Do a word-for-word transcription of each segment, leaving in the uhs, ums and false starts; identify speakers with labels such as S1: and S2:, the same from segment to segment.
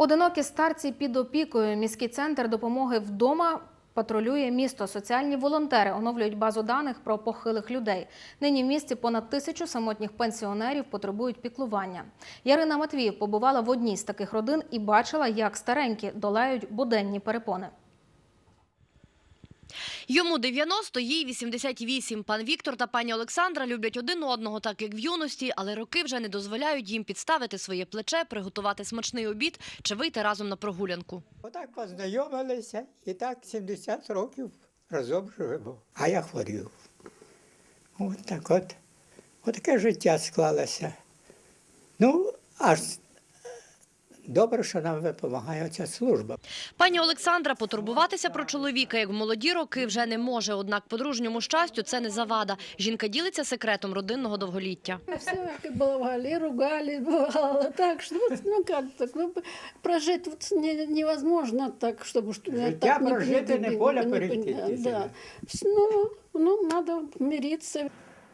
S1: Одинокі старці під опікою. Міський центр допомоги вдома патрулює місто. Соціальні волонтери оновлюють базу даних про похилих людей. Нині в місті понад тисячу самотніх пенсіонерів потребують піклування. Ярина Матвіїв побувала в одній з таких родин і бачила, як старенькі долають буденні перепони.
S2: Йому дев'яносто, їй вісімдесят вісім. Пан Віктор та пані Олександра люблять один одного, так як в юності, але роки вже не дозволяють їм підставити своє плече, приготувати смачний обід чи вийти разом на прогулянку.
S3: Отак познайомилися і так сімдесят років разом живемо. А я хворів. От так от. От таке життя склалося. Ну, аж добре, що нам допомагає ця служба.
S2: Пані Олександра потурбуватися про чоловіка, як в молоді роки, вже не може. Однак подружньому щастю це не завада. Жінка ділиться секретом родинного довголіття.
S4: Все баловали, ругали, бывало так, что вот, ну как так, ну, прожить вот не, невозможно так, чтобы что
S3: Життя прожити, не поля перейти.
S4: Да. Ну, ну, надо мириться.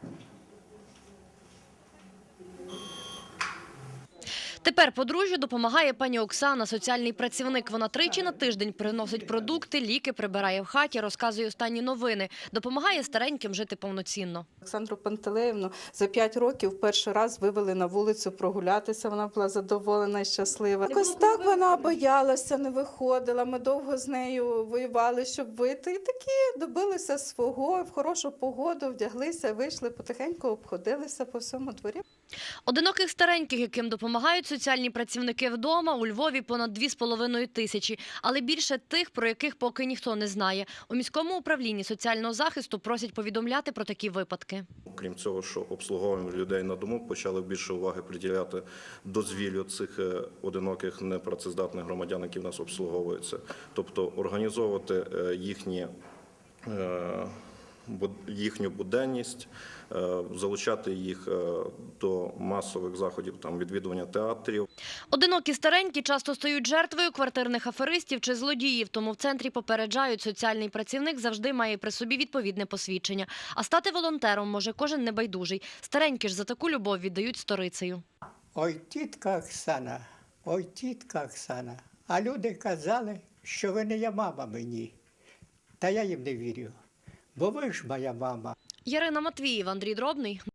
S2: Тепер подружжю допомагає пані Оксана, соціальний працівник. Вона тричі на тиждень приносить продукти, ліки, прибирає в хаті, розказує останні новини. Допомагає стареньким жити повноцінно.
S5: Олександру Пантелеївну за п'ять років перший раз вивели на вулицю прогулятися. Вона була задоволена і щаслива. Якось так вона боялася, не виходила. Ми довго з нею воювали, щоб вийти. І такі добилися свого, в хорошу погоду вдяглися, вийшли, потихеньку обходилися по всьому дворі.
S2: Одиноких стареньких, яким допомагають соціальні працівники вдома, у Львові понад дві з половиною тисячі. Але більше тих, про яких поки ніхто не знає. У міському управлінні соціального захисту просять повідомляти про такі випадки.
S6: Крім цього, що обслуговуємо людей на дому, почали більше уваги приділяти дозвіллю цих одиноких непрацездатних громадян, які в нас обслуговуються. Тобто організовувати їхні їхню буденність, залучати їх до масових заходів, там, відвідування театрів.
S2: Одинокі старенькі часто стають жертвою квартирних аферистів чи злодіїв, тому в центрі попереджають, соціальний працівник завжди має при собі відповідне посвідчення. А стати волонтером може кожен небайдужий. Старенькі ж за таку любов віддають сторицею.
S3: Ой, тітка Оксана, ой, тітка Оксана. А люди казали, що ви не є мама мені. Та я їм не вірю. Бо ви ж моя мама.
S2: Ярина Матвіїв, Андрій Дробний.